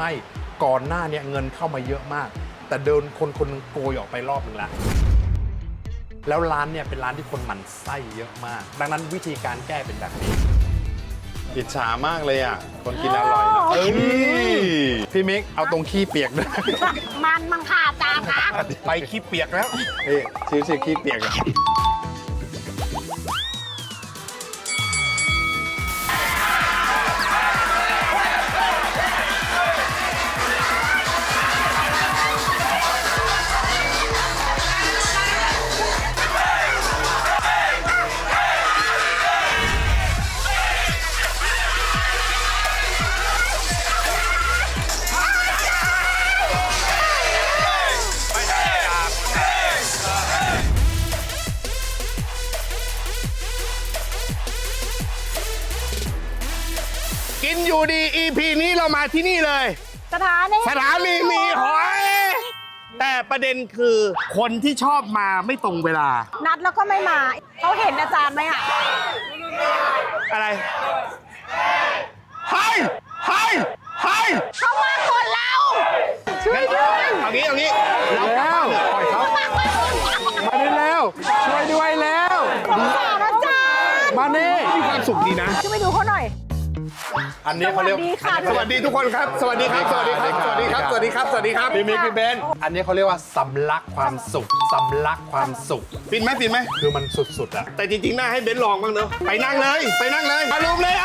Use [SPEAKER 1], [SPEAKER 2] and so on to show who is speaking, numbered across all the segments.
[SPEAKER 1] ไม่ก่อนหน้าเนี่ยเงินเข้ามาเยอะมากแต่เดินคนนึงโกยออกไปรอบนึงแล้วร้านเนี่ยเป็นร้านที่คนหมั่นไส้เยอะมากดังนั้นวิธีการแก้เป็นแบบนี้อิจฉามากเลยอ่ะคนกินอร่อยนะพี่มิกเอาตรงขี้เปียกด้วย
[SPEAKER 2] มันมังค่ะอาจารย์คะ
[SPEAKER 1] ไปขี้เปียกแล้วชิวๆขี้เปียก
[SPEAKER 3] กินอยู่ดี EP นี้เรามาที่นี่เลย
[SPEAKER 2] สถานี
[SPEAKER 3] มีหอย แต่ประเด็นคือคนที่ชอบมาไม่ตรงเวลา
[SPEAKER 2] นัดแล้วก็ไม่มาเขาเห็นอาจารย์ไหมอ่ะ
[SPEAKER 3] อะไรเฮ้ย
[SPEAKER 2] เขามาคนเราช่วยด้วย
[SPEAKER 3] เอางี้เรากลับบ้านเถอะปล่อยเขา
[SPEAKER 1] มาได้แล้วช่วยด้วยแล้ว
[SPEAKER 2] สงสารอาจารย์
[SPEAKER 1] มาเน่
[SPEAKER 3] มีความสุขดีนะ
[SPEAKER 2] ช่วยไปดูเขาหน่อย
[SPEAKER 1] อันนี้เขาเรียก
[SPEAKER 2] สวัสดีค่ะ
[SPEAKER 3] สวัสดีทุกคนครับ สวัสดีครับ
[SPEAKER 1] พี่มิกพี่เบนอันนี้เขาเรียกว่าสำลักความสุขสำลักความสุข
[SPEAKER 3] ฟินไหม
[SPEAKER 1] คือมันสุดๆอะ
[SPEAKER 3] แต่จริงๆ น่าให้เบนซ์ลองบ้างเนอะไปนั่งเลยมาลุมเลย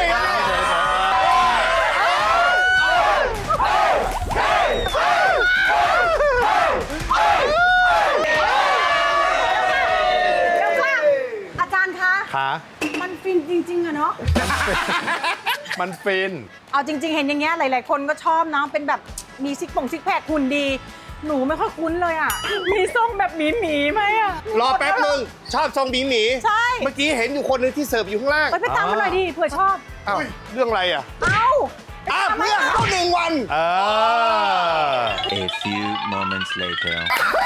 [SPEAKER 2] เดี๋ยวค่ะอาจารย์คะ
[SPEAKER 1] ขา
[SPEAKER 2] มันฟินจริงๆอะเนาะ
[SPEAKER 1] มันฟิน
[SPEAKER 2] เอาจริง ๆ เห็นอย่างเงี้ยหลายๆคนก็ชอบเนาะเป็นแบบมีซิกแพคหุ่นดี หนูไม่ค่อยคุ้นเลยอ่ะ มีทรงแบบหมีไหมอ่ะ
[SPEAKER 3] รอแป๊บนึงชอบทรงหมี
[SPEAKER 2] ใช่
[SPEAKER 3] เมื่อกี้เห็นอยู่คนหนึงที่เสิร์ฟอยู่ข้างล่าง
[SPEAKER 2] ไปตามมาหน่อยดิเผื่อชอบ
[SPEAKER 3] อ้าวเรื่องอะไรอ่ะ
[SPEAKER 2] เอ้า
[SPEAKER 3] เพื่อเข้า1 วัน
[SPEAKER 4] A few moments later.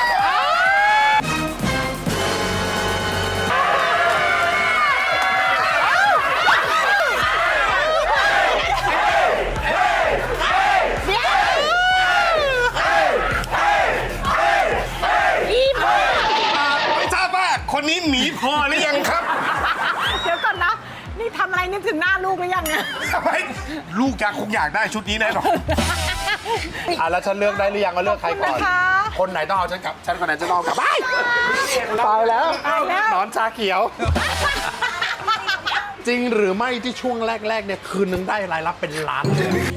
[SPEAKER 3] ไม่ทราบว่าคนนี้หมีพอหรือยังครับ
[SPEAKER 2] เดี๋ยวก่อนนะ นี่ทำอะไรนึกถึงหน้าลูกหรือยังเนี่ย
[SPEAKER 3] ทำไมลูกคงอยากได้ชุดนี้แน่นอน
[SPEAKER 1] แล้วฉันเลือกได้หรือยังว่าเลือกใครก่อน
[SPEAKER 2] ขอบคุณนะคะ
[SPEAKER 1] คนไหนต้องเอาฉันกลับ ฉันคนไหนจะต้องเอากลับตายแล้ว
[SPEAKER 2] ตายแล้ว
[SPEAKER 1] หนอนชาเขียว จริงหรือไม่ที่ช่วงแรกๆเนี่ยคืนนึงได้รายรับเป็นล้าน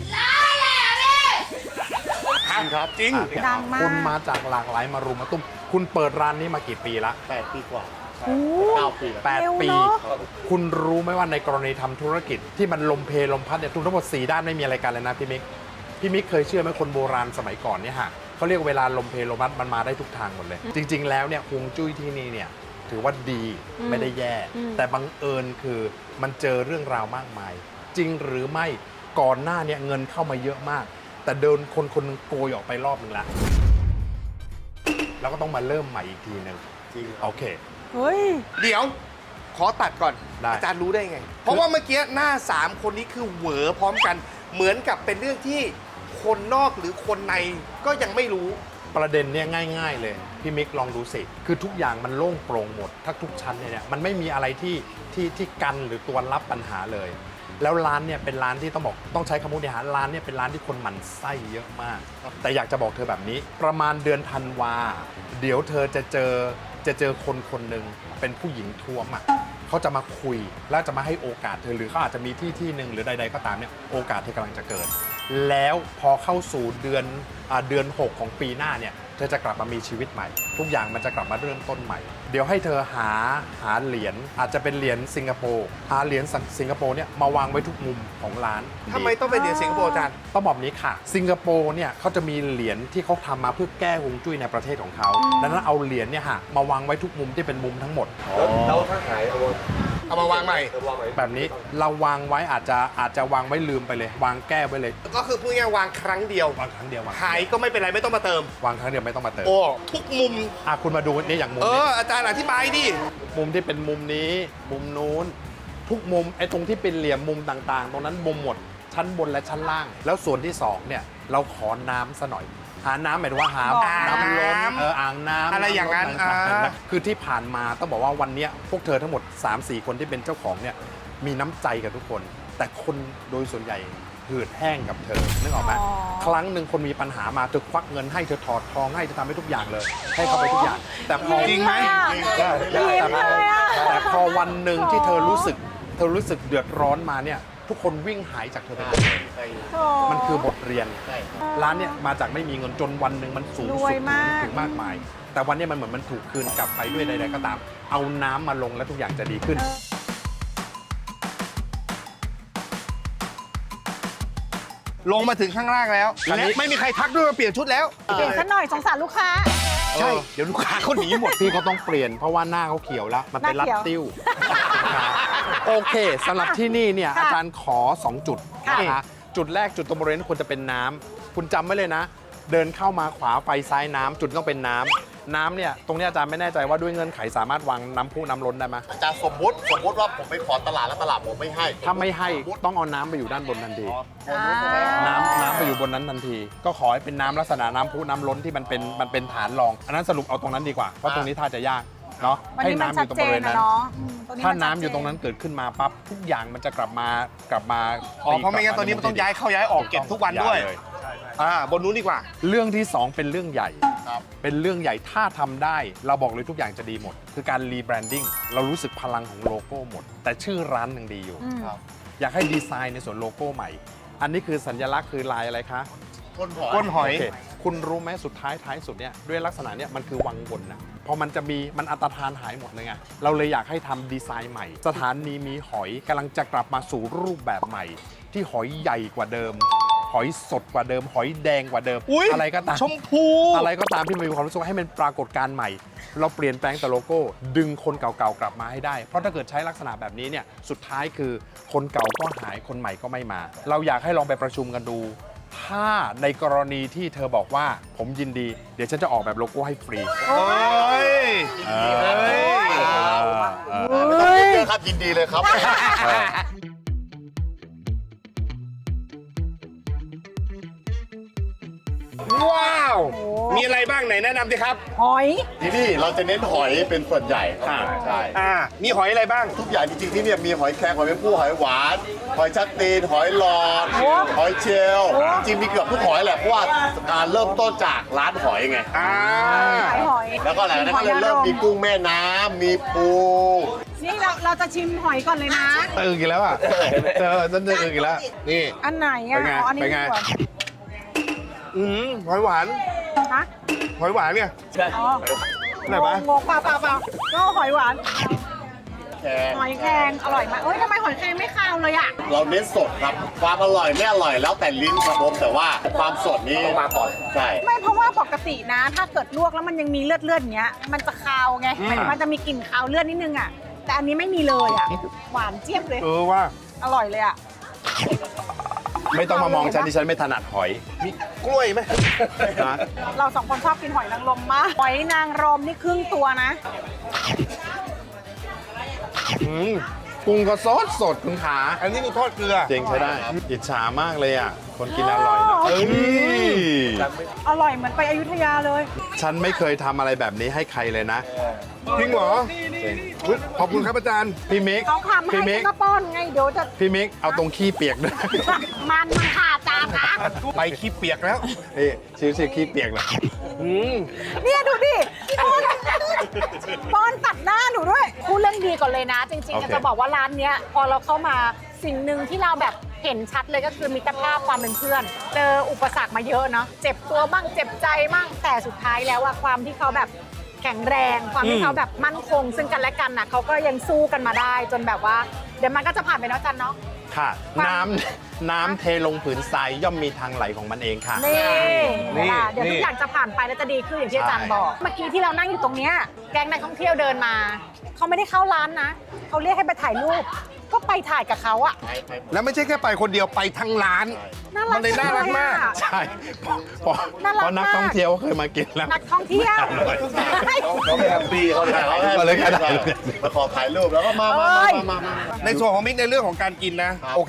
[SPEAKER 1] ครับ
[SPEAKER 3] จริง
[SPEAKER 2] ดังมาก
[SPEAKER 1] คุณมาจากหลากหลายมารุมมาตุ้มคุณเปิดร้านนี้มากี่ปีละ
[SPEAKER 3] 8 ปีกว่า
[SPEAKER 2] โอ้
[SPEAKER 3] 9 ปีแล้ว
[SPEAKER 2] เร็ว
[SPEAKER 1] 8 ปี
[SPEAKER 2] เนอะ
[SPEAKER 1] คุณรู้ไหมว่าในกรณีทำธุรกิจที่มันลมเพลลมพัดเนี่ยทุกทั้งหมด4ด้านไม่มีอะไรกันเลยนะพี่มิกเคยเชื่อไหมคนโบราณสมัยก่อนเนี่ยฮะเขาเรียกเวลาลมเพลลมพัดมันมาได้ทุกทางหมดเลย จริง ๆ แล้วเนี่ยฮวงจุ้ยที่นี่เนี่ยถือว่าดีไม่ได้แย่ แต่บังเอิญคือมันเจอเรื่องราวมากมาย จริงหรือไม่ก่อนหน้าเนี่ยเงินเข้ามาเยอะมาก แต่เดินคนนึงโกยออกไปรอบนึงแล้วก็ต้องมาเริ่มใหม่อีกทีหนึ่ง
[SPEAKER 3] จริง
[SPEAKER 1] โอเค
[SPEAKER 2] เฮ้ย
[SPEAKER 3] เดี๋ยวขอตัดก่อน
[SPEAKER 1] ได้
[SPEAKER 3] อาจารย์รู้ได้ไง เพราะว่าเมื่อกี้หน้า 3 คนนี้คือเหวอพร้อมกัน เหมือนกับเป็นเรื่องที่คนนอกหรือคนในก็ยังไม่รู้
[SPEAKER 1] ประเด็นเนี่ยง่ายๆเลยพี่มิกลองดูสิคือทุกอย่างมันโล่งโปร่งหมดถ้าทุกชั้นเนี่ยมันไม่มีอะไรที่กันหรือตัวรับปัญหาเลย แล้วร้านเนี่ยเป็นร้านที่ต้องใช้คำพูดเนี่ยฮะร้านเนี่ยเป็นร้านที่คนหมั่นไส้เยอะมาก แต่อยากจะบอกเธอแบบนี้ ประมาณเดือนธันวาเดี๋ยวเธอจะเจอคนหนึ่งเป็นผู้หญิงท้วมอ่ะเขาจะมาคุยแล้วจะมาให้โอกาสเธอหรือเขาอาจจะมีที่หนึ่งหรือใดๆก็ตามเนี่ยโอกาสเธอกำลังจะเกิด แล้วพอเข้าสู่เดือน6ของปีหน้าเนี่ยเธอจะกลับมามีชีวิตใหม่ ทุกอย่างมันจะกลับมาเริ่มต้นใหม่ เดี๋ยวให้เธอหาเหรียญอาจจะเป็นเหรียญสิงคโปร์หาเหรียญสิงคโปร์เนี่ยมาวางไว้ทุกมุมของร้าน
[SPEAKER 3] ทำไมต้องเป็นเหรียญสิงคโปร์อาจารย์
[SPEAKER 1] ต้องบอกนี้ค่ะสิงคโปร์เนี่ยเขาจะมีเหรียญที่เขาทำมาเพื่อแก้ฮวงจุ้ยในประเทศของเขาดังนั้นเอาเหรียญเนี่ยฮะมาวางไว้ทุกมุมที่เป็นมุมทั้งหมด
[SPEAKER 5] แล้วถ้าหาย
[SPEAKER 3] เอามาวางใหม่
[SPEAKER 1] แบบนี้เราวางไว้อาจจะวางไว้ลืมไปเลย วางแก้ไว้เลย
[SPEAKER 3] ก็คือพูดง่ายๆวางครั้งเดียว
[SPEAKER 1] วางครั้งเดียววาง
[SPEAKER 3] หายก็ไม่เป็นไรไม่ต้องมาเติม
[SPEAKER 1] วางครั้งเดียวไม่ต้องมาเติม
[SPEAKER 3] โอ้ทุกมุม
[SPEAKER 1] คุณมาดูนี่อย่างมุม
[SPEAKER 3] เอ
[SPEAKER 1] นี้
[SPEAKER 3] ออาจารย์อธิบายดิ
[SPEAKER 1] มุมที่เป็นมุมนี้มุมนู้นทุกมุมไอ้ตรงที่เป็นเหลี่ยมมุมต่างๆ ตรงนั้นมุมหมดชั้นบนและชั้นล่าง แล้วส่วนที่สองเนี่ยเราขอน้ำซะหน่อยหาน้ำหมายถึงว่าหา
[SPEAKER 2] บ่อ
[SPEAKER 1] น้ำล้นอ่างน้ำ
[SPEAKER 3] อะไรอย่างนั้น
[SPEAKER 1] ำล้คือที่ผ่านมาต้องบอกว่าวันเนี้ยพวกเธอทั้งหมด 3-4 คนที่เป็นเจ้าของเนี่ยมีน้ำใจกับทุกคน แต่คนโดยส่วนใหญ่หืดแห้งกับเธอนึกออกไหม
[SPEAKER 2] อ๋อ
[SPEAKER 1] ครั้งหนึ่งคนมีปัญหามาเธอควักเงินให้เธอถอดทองให้เธอทำให้ทุกอย่างเลย ให้เขาไปทุกอย่าง แต่พอ
[SPEAKER 3] จริงไหม
[SPEAKER 2] ยิ้มเลยอะ
[SPEAKER 1] แต่พอวันหนึ่งที่เธอรู้สึกเดือดร้อนมาเนี่ยทุกคนวิ่งหายจากเธอไปหมดเลย
[SPEAKER 2] โถ่
[SPEAKER 1] มันคือบทเรียน ร้านเนี่ยมาจากไม่มีเงินจนวันหนึ่งมันสูง
[SPEAKER 2] ร
[SPEAKER 1] สุ
[SPEAKER 2] ว
[SPEAKER 1] ด
[SPEAKER 2] ยมาก
[SPEAKER 1] ถึงมากมาย แต่วันเนี้ยมันเหมือนมันถูกคืนกลับไปด้วยใดๆก็ตาม เอาน้ำมาลงแล้วทุกอย่างจะดีขึ้น
[SPEAKER 3] ลงมาถึงข้างล่างแล้ว
[SPEAKER 1] อันนี้
[SPEAKER 3] และไม่มีใครทักด้วยว่าเปลี่ยนชุดแล้ว
[SPEAKER 2] เปลี่ยนซะหน่อยสงสารลูกค้า
[SPEAKER 3] ใช่ เดี๋ยวลูกค้าเขาหนีหมด
[SPEAKER 1] พี่เขาต้องเปลี่ยนเพราะว่าหน้าเขาเขียวแล้ว มันเป็น
[SPEAKER 2] หน้า
[SPEAKER 1] รัด
[SPEAKER 2] เขียว
[SPEAKER 1] ติ้ว โอเคสำหรับที่นี่เนี่ย
[SPEAKER 2] ค่ะ
[SPEAKER 1] อาจารย์ขอ 2 จุด
[SPEAKER 2] ค่ะ
[SPEAKER 1] นะคะจุดแรกจุดตรงบริเวณควรจะเป็นน้ำคุณจำไว้เลยนะ เดินเข้ามาขวาไปซ้ายน้ำจุดต้องเป็นน้ำเนี่ยตรงเนี้ยอาจารย์ไม่แน่ใจว่าด้วยเงื่อนไขสามารถวางน้ำพุน้ำล้นได้ไหม
[SPEAKER 5] อาจารย์สมมติว่าผมไปขอตลาดแล้วตลาดผมไม่ให้
[SPEAKER 1] ถ้าไม่ให้ต้องเอาน้ำไปอยู่ด้านบนทันที
[SPEAKER 2] อ่า
[SPEAKER 1] น้ำไปอยู่บนนั้นทันที ก็ขอให้เป็นน้ำลักษณะน้ำพุน้ำล้นที่มันเป็นฐานรอง อันนั้นสรุปเอาตรงนั้นดีกว่าเพราะตรงนี้ท่าจะยากเนาะ
[SPEAKER 2] วัน
[SPEAKER 1] ให้
[SPEAKER 2] นี้มัน
[SPEAKER 1] น้ำอ
[SPEAKER 2] ชัด
[SPEAKER 1] ยู่ตรง
[SPEAKER 2] เจ
[SPEAKER 1] บริเวน ณ
[SPEAKER 2] นะ
[SPEAKER 1] นั้น
[SPEAKER 2] เนาะตรงนี้
[SPEAKER 1] ถ้า
[SPEAKER 2] มั
[SPEAKER 1] น้ำ
[SPEAKER 2] ชัด
[SPEAKER 1] อยู่ตรงนั้นเกิดขึ้นมาปั๊บทุกอย่างมันจะกลับมา
[SPEAKER 3] อ๋อ เพราะไม่งั้นตอนนี้มันต้องย้ายเข้าย้ายออกเก็บทุกวันด้วย
[SPEAKER 1] เล
[SPEAKER 3] บนนู้นดีกว่า
[SPEAKER 1] เรื่องที่ 2 เป็นเรื่องใหญ่
[SPEAKER 5] ครับ
[SPEAKER 1] เป็นเรื่องใหญ่ถ้าทำได้ เราบอกเลยทุกอย่างจะดีหมด คือการรีแบรนดิ้งเรารู้สึกพลังของโลโก้หมด แต่ชื่อร้านยังดีอยู่
[SPEAKER 2] อืม
[SPEAKER 1] อยากให้ดีไซน์ในส่วนโลโก้ใหม่ อันนี้คือสัญลักษณ์คือลายอะไรคะ
[SPEAKER 5] ก้นหอย
[SPEAKER 3] ก้นหอย
[SPEAKER 1] โอเคคุณรู้ไหมสุดท้ายสุดเนี่ยด้วยลักษณะเนี่ยมันคือวังวนนะพอมันจะมีมันอันตรธานหายหมดเลยไงเราเลยอยากให้ทำดีไซน์ใหม่ สถานีมีหอยกำลังจะกลับมาสู่รูปแบบใหม่ ที่หอยใหญ่กว่าเดิม หอยสดกว่าเดิม หอยแดงกว่าเดิม
[SPEAKER 3] อุ๊ย
[SPEAKER 1] อะไรก็ตาม
[SPEAKER 3] ชมพู
[SPEAKER 1] อะไรก็ตามที่มันมีความรู้สึกว่าให้มันปรากฏการณ์ใหม่ เราเปลี่ยนแปลงแต่โลโก้ ดึงคนเก่าๆกลับมาให้ได้ เพราะถ้าเกิดใช้ลักษณะแบบนี้เนี่ยสุดท้ายคือคนเก่าก็หายคนใหม่ก็ไม่มา เราอยากให้ลองไปประชุมกันดู ถ้าในกรณีที่เธอบอกว่าผมยินดี เดี๋ยวฉันจะออกแบบโลโก้ให้ฟรี
[SPEAKER 3] เฮ้ย
[SPEAKER 1] เอ
[SPEAKER 3] เฮ้ย
[SPEAKER 5] ไม่ต้องพูดเยอะครับยินดีเลยครับ
[SPEAKER 3] ว้าว มีอะไรบ้างไหนแนะนำสิครับ
[SPEAKER 2] หอย
[SPEAKER 5] ที่นี่เราจะเน้นหอยเป็นส่วนใหญ่ครับใช่
[SPEAKER 3] มีหอยอะไรบ้าง
[SPEAKER 5] ทุกอย่างจริงๆที่เนี่ยมีหอยแครงหอยแมงผู้หอยหวาน หอยชักตีนหอยหลอด
[SPEAKER 2] โอ้
[SPEAKER 5] หอยเชลล์จริงๆมีเกือบทุกหอยแหละเพราะว่าการเริ่มต้นจากร้านหอยไง
[SPEAKER 2] ขายหอย
[SPEAKER 5] แล้วก็หลังจากนั้นก็เลยเริ่มมีกุ้งแม่น้ำมีปู
[SPEAKER 2] นี่เราจะชิมหอยก่อนเลยนะ
[SPEAKER 1] อึกอีกแล้วอ่ะฉันจะอึกอีกแล้ว
[SPEAKER 3] นี่
[SPEAKER 2] อันไหนอ่ะ
[SPEAKER 1] เป็นไง
[SPEAKER 2] อ๋ออันนี้
[SPEAKER 1] เป็นไง
[SPEAKER 2] ดีกว่า
[SPEAKER 3] หอยหวาน
[SPEAKER 2] ฮะ
[SPEAKER 3] หอยหวานเนี่ย
[SPEAKER 2] อ๋อ
[SPEAKER 3] ไหนวะ
[SPEAKER 2] งงเปล่าก็หอยหวาน
[SPEAKER 5] แครง
[SPEAKER 2] หอยแครงอร่อยมากเอ้ยทำไมหอยแครงไม่คาวเลยอ่ะ
[SPEAKER 5] เราเน้นสดครับ ความอร่อยไม่อร่อยแล้วแต่ลิ้นครับผมแต่ว่าความสดนี้มาก่อนใช่
[SPEAKER 2] ไม่เพราะว่าปกตินะ ถ้าเกิดลวกแล้วมันยังมีเลือดอย่างเงี้ย มันจะคาวไงมันจะมีกลิ่นคาวเลือดนิดนึงอ่ะ แต่อันนี้ไม่มีเลยอ่ะ หวานเจี๊ยบเลย
[SPEAKER 3] ว่า
[SPEAKER 2] อร่อยเลยอ่ะ
[SPEAKER 1] ไม่ต้องมามองฉันที่ฉันไม่ถนัดหอย
[SPEAKER 3] มีกล้วยไหม
[SPEAKER 1] นะ
[SPEAKER 2] เราสองคนชอบกินหอยนางรมมาก หอยนางรมนี่ครึ่งตัวนะ
[SPEAKER 1] กุ้งก็สดคุณขา
[SPEAKER 3] อันนี้คือทอดเกลือ
[SPEAKER 1] เจ๋งใช้ได้ อิจฉามากเลยอ่ะ คนกินอร่อยนะ
[SPEAKER 2] โอ้
[SPEAKER 1] เอ้ย
[SPEAKER 2] อร่อยเหมือนไปอยุธยาเลย
[SPEAKER 1] ฉันไม่เคยทำอะไรแบบนี้ให้ใครเลยนะ
[SPEAKER 3] จริงเหรออุ๊ยขอบคุณครับอาจารย์
[SPEAKER 1] พี่มิก
[SPEAKER 2] เขาทำให้
[SPEAKER 1] พี่มิ
[SPEAKER 2] ฉั
[SPEAKER 1] ก
[SPEAKER 2] นก็ป้อนไง เดี๋ยวจะ
[SPEAKER 1] พี่มิก เอาตรงขี้เปียกด้วย
[SPEAKER 2] มันขาดจานนะ
[SPEAKER 3] ไปขี้เปียกแล้ว
[SPEAKER 1] นี่ชื่อขี้เปียกเลย
[SPEAKER 2] เนี่ยดูดิป้อนตัดหน้าหนูด้วยพูดเรื่องดีก่อนเลยนะ จริง
[SPEAKER 1] โอ
[SPEAKER 2] ๆ
[SPEAKER 1] เค
[SPEAKER 2] จะบอกว่าร้านเนี้ยพอเราเข้ามาสิ่งหนึ่งที่เราแบบเห็นชัดเลยก็คือมิตรภาพความเป็นเพื่อน เจออุปสรรคมาเยอะเนาะเจ็บตัวบ้างเจ็บใจบ้างแต่สุดท้ายแล้วอะความที่เขาแบบแข็งแรง ความที่เขาแบบมั่นคง ซึ่งกันและกันน่ะเขาก็ยังสู้กันมาได้ จนแบบว่าเดี๋ยวมันก็จะผ่านไปเนาะจันเนาะ
[SPEAKER 1] ค่ะ
[SPEAKER 2] ความ
[SPEAKER 1] น้ำเทลงผืนทรายย่อมมีทางไหลของมันเองค่ะ
[SPEAKER 2] นี่
[SPEAKER 3] นี่
[SPEAKER 2] เดี๋ยวทุกอย่างจะผ่านไปแล้วจะดีขึ้นอย่างที่อาจารย์บอก เมื่อกี้ที่เรานั่งอยู่ตรงเนี้ยแก๊งนักท่องเที่ยวเดินมา เขาไม่ได้เข้าร้านนะ เขาเรียกให้ไปถ่ายรูป ก็ไปถ่ายกับเขาอะ
[SPEAKER 3] แล้วไม่ใช่แค่ไปคนเดียวไปทั้งร้าน
[SPEAKER 2] น่ารัก
[SPEAKER 3] มันเลยน่ารักมาก
[SPEAKER 2] จังเลยอะ
[SPEAKER 1] ใช่เพราะ
[SPEAKER 2] น่ารัก
[SPEAKER 1] เพราะนัก
[SPEAKER 2] มาก
[SPEAKER 1] ท่องเที่ยวเคยมากินแล้ว
[SPEAKER 2] นักท่องเที่ยว
[SPEAKER 5] เขาแฮปปี้เขาแฮปปี้
[SPEAKER 1] เอาเลยครับ
[SPEAKER 5] มาขอถ่ายรูปแล้วก็มา
[SPEAKER 2] เอ้ย
[SPEAKER 5] มา
[SPEAKER 3] ในส่วนของมิกในเรื่องของการกินนะ โอเค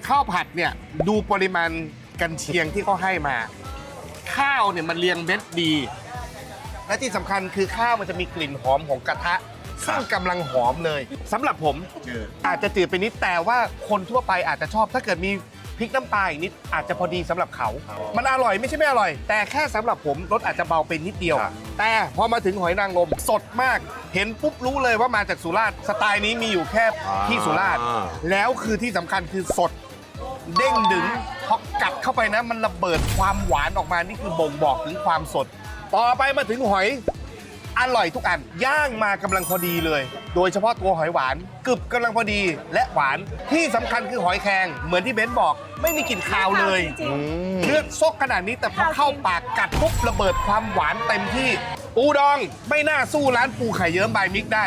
[SPEAKER 3] ข้าวผัดเนี่ยดูปริมาณกันเชียงที่เขาให้มา ข้าวเนี่ยมันเรียงเม็ดดี และที่สำคัญคือข้าวมันจะมีกลิ่นหอมของกระทะซึ่งกำลังหอมเลยสำหรับผมอาจจะจืดไปนิดแต่ว่าคนทั่วไปอาจจะชอบถ้าเกิดมีพริกน้ำปลาอีกนิดอาจจะพอดีสำหรับเขา มันอร่อยไม่ใช่ไม่อร่อย แต่แค่สำหรับผมรสอาจจะเบาเป็นนิดเดียว แต่พอมาถึงหอยนางรมสดมาก เห็นปุ๊บรู้เลยว่ามาจากสุราษฎร์สไตล์นี้มีอยู่แค่ที่สุราษฎร์แล้วคือที่สำคัญคือสด เด้งดึงพอกัดเข้าไปนะมันระเบิดความหวานออกมานี่คือบ่งบอกถึงความสด ต่อไปมาถึงหอยอร่อยทุกอันย่างมากำลังพอดีเลย โดยเฉพาะตัวหอยหวานกรึบกำลังพอดีและหวานที่สำคัญคือหอยแครงเหมือนที่เบนซ์บอกไม่มีกลิ่นคาวเลย
[SPEAKER 2] จริง
[SPEAKER 3] เลือดซกขนาดนี้แต่พอเข้าปากกัดปุ๊บระเบิดความหวานเต็มที่ปูดองไม่น่าสู้ร้านปูไข่เยิ้มบายมิกได้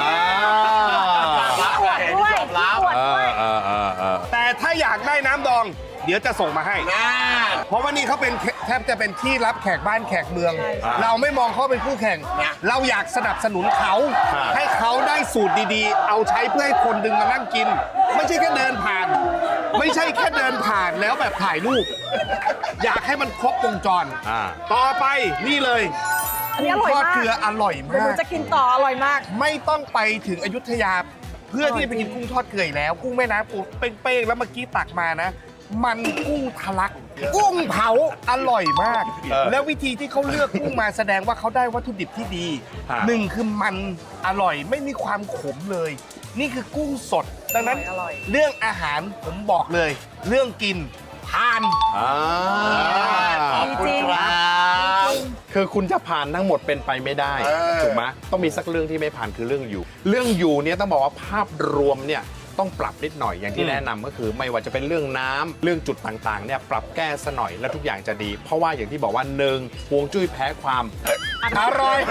[SPEAKER 5] รับเลย
[SPEAKER 2] ด้วย
[SPEAKER 5] ยอมรับ
[SPEAKER 2] ขวดด้วย
[SPEAKER 3] แต่ถ้าอยากได้น้ำดอง เดี๋ยวจะส่งมาให้
[SPEAKER 5] น่า
[SPEAKER 3] เพราะว่านี่เขาเป็นแทบจะเป็นที่รับแขกบ้านแขกเมือง เราไม่มองเขาเป็นคู่แข่ง เราอยากสนับสนุนเขา ให้เขาได้สูตรดีๆ เอาใช้เพื่อให้คนดึงมานั่งกิน ไม่ใช่แค่เดินผ่าน ไม่ใช่แค่เดินผ่านแล้วแบบถ่ายรูป อยากให้มันครบวงจร ต่อไปนี่เลย
[SPEAKER 2] อันนี้อร่อย
[SPEAKER 3] ทอด
[SPEAKER 2] มาก
[SPEAKER 3] เกลืออร่อย
[SPEAKER 2] เดี๋ยวห
[SPEAKER 3] มา
[SPEAKER 2] นู
[SPEAKER 3] ก
[SPEAKER 2] จะกินต่ออร่อยมาก
[SPEAKER 3] ไม่ต้องไปถึงอยุธยา เพื่อที่จะไปกินกุ้งทอดเกลืออีกแล้ว กุ้งแม่น้ำปูเป้งๆแล้วเมื่อกี้ตักมานะ มันกุ้งทะลัก กุ้งเผาอร่อยมาก แล้ววิธีที่เขาเลือกกุ้งมาแสดงว่าเขาได้วัตถุดิบที่ดีหนึ่งคือมันอร่อยไม่มีความขมเลย นี่คือกุ้งสด ดังนั้น
[SPEAKER 2] อร่อย
[SPEAKER 3] เรื่องอาหารผมบอกเลย เรื่องกินผ่าน
[SPEAKER 5] ขอบคุณครับ
[SPEAKER 1] คือคุณจะผ่านทั้งหมดเป็นไปไม่ได้ ถูกไหมต้องมีสักเรื่องที่ไม่ผ่านคือเรื่องอยู่ เรื่องอยู่เนี่ยต้องบอกว่าภาพรวมเนี่ยต้องปรับนิดหน่อยอย่างที่แนะนำก็คือ ไม่ว่าจะเป็นเรื่องน้ำเรื่องจุดต่างๆเนี่ยปรับแก้ซะหน่อยแล้วทุกอย่างจะดี เพราะว่าอย่างที่บอกว่าหนึ่งฮวงจุ้ยแพ้ความอร่อย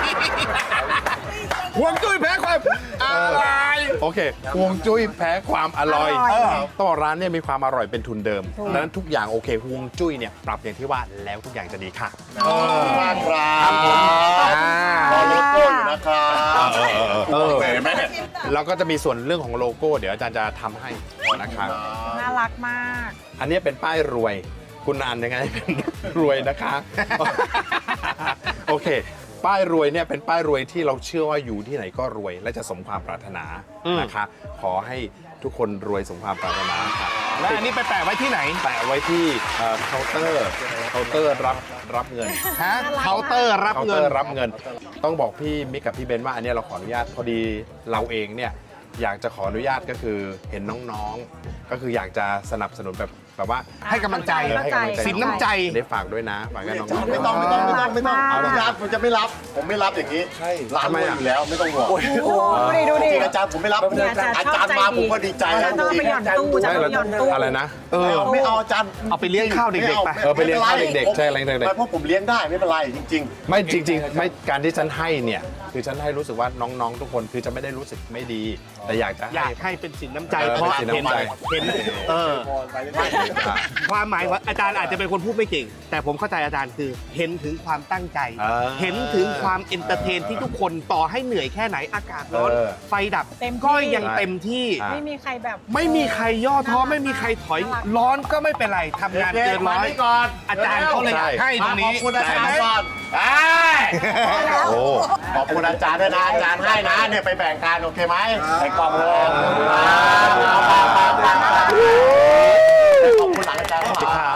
[SPEAKER 3] หวงจุ้ยแพ้ความอร่อย
[SPEAKER 1] โอเคฮวงจุ้ยแพ้ความอร่อย
[SPEAKER 2] อร่อย
[SPEAKER 1] ต้องบอกร้านเนี่ยมีความอร่อยเป็นทุนเดิมดังนั้นทุกอย่างโอเคฮวงจุ้ยเนี่ยปรับอย่างที่ว่าแล้วทุกอย่างจะดีค่ะ
[SPEAKER 5] มากครับรอโลโก้อยู่นะครับเห็นไหมเนี่ย
[SPEAKER 1] แล้วก็จะมีส่วนเรื่องของโลโก้เดี๋ยวอาจารย์จะทำให้นะครับ
[SPEAKER 2] น่ารักมาก
[SPEAKER 1] อันนี้เป็นป้ายรวย คุณอ่านยังไงเป็นรวยนะคะ โอเค ป้ายรวยเนี่ยเป็นป้ายรวยที่เราเชื่อว่าอยู่ที่ไหนก็รวย และจะสมความปรารถนานะคะ ขอให้ทุกคนรวยสมความปรารถนาค่ะ
[SPEAKER 3] และอันนี้ไปแปะไว้ที่ไหน
[SPEAKER 1] แปะไว้ที่เคาน์เตอร์รับเงิน
[SPEAKER 3] ฮะเคาน์เตอร์รับ
[SPEAKER 1] เคาน์
[SPEAKER 3] เงิ
[SPEAKER 1] เตอน ร์รับเงิน ต้องบอกพี่มิกกับพี่เบนว่าอันเนี้ยเราขออนุญาตพอดีเราเองเนี่ยอยากจะขออนุญาตก็คือเห็นน้องๆ ก็คืออยากจะสนับสนุนแบบว่า
[SPEAKER 3] ให้กำลังใจ
[SPEAKER 1] ให้กำลังใจ
[SPEAKER 3] สินน้ำใจ
[SPEAKER 1] ได้ฝากด้วยนะฝากให้น้องๆ
[SPEAKER 5] ไม่ต้อง
[SPEAKER 1] เอาละ
[SPEAKER 5] อาจารย์ผมจะไม่รับ ผมไม่รับอย่างนี้ร้านรวยอยู่แล้วไม่ต้องห่วง
[SPEAKER 2] โอ้โหดูดิ
[SPEAKER 5] จริงๆอาจารย์ผมไม่รับ
[SPEAKER 2] เนี่ยอาจารย์
[SPEAKER 5] อาจารย์มาผมก็ดีใจ
[SPEAKER 2] อาจารย์ต้องเอาไปหย่อนตู้จะเอาไปหย่อนตู้
[SPEAKER 1] อะไรนะ
[SPEAKER 5] ไม่เอาอาจารย์
[SPEAKER 3] เอาไปเลี้ยงข้าวเด็กๆไป
[SPEAKER 1] ไปเลี้ยงข้าวเด็กๆใช่อะไรเด็ก
[SPEAKER 5] ไม่เพราะผมเลี้ยงได้ไม่เป็นไรจริง
[SPEAKER 1] ไม่จริงๆไม่การที่ฉันให้เนี่ยคือฉันให้รู้สึกว่าน้องๆ ทุกคนคือจะไม่ได้รู้สึกไม่ดี แต่อยากจะ
[SPEAKER 3] อยา
[SPEAKER 1] ให้
[SPEAKER 3] กให้เป็นสินน้ำใจ
[SPEAKER 1] เออ
[SPEAKER 3] เพราะ
[SPEAKER 1] เป็นสิน
[SPEAKER 3] เห็น
[SPEAKER 1] น้ำใจ
[SPEAKER 3] เห็นความหมายว่าอาจารย์อาจจะเป็นคนพูดไม่เก่ง แต่ผมเข้าใจอาจารย์คือเห็นถึงความตั้งใจ เห็นถึงความเอนเตอร์เทนที่ทุกคนต่อให้เหนื่อยแค่ไหนอากาศร้อน ไฟดับ
[SPEAKER 2] เต็มที่
[SPEAKER 3] ก็ยังเต็มที่
[SPEAKER 2] ไม่มีใครแบบ
[SPEAKER 3] ไม่มีใครย่อท้อไม่มีใครถอยร้อนก็ไม่เป็นไรทำงานเกินร้อย
[SPEAKER 5] ก่อน
[SPEAKER 3] อาจารย์เขาเลยอยากให้ตรง
[SPEAKER 5] ข
[SPEAKER 3] นี้
[SPEAKER 5] อบคุณอาจารย์ก่อน
[SPEAKER 1] โอ้
[SPEAKER 5] ขอบคุณอาจารย์ด้วยนะอาจารย์ให้นะเนี่ยไปแบ่งกันโอเคไหมในกล่องเลยขอบคุณหลังอาจารย์
[SPEAKER 1] ขอบคุณครับ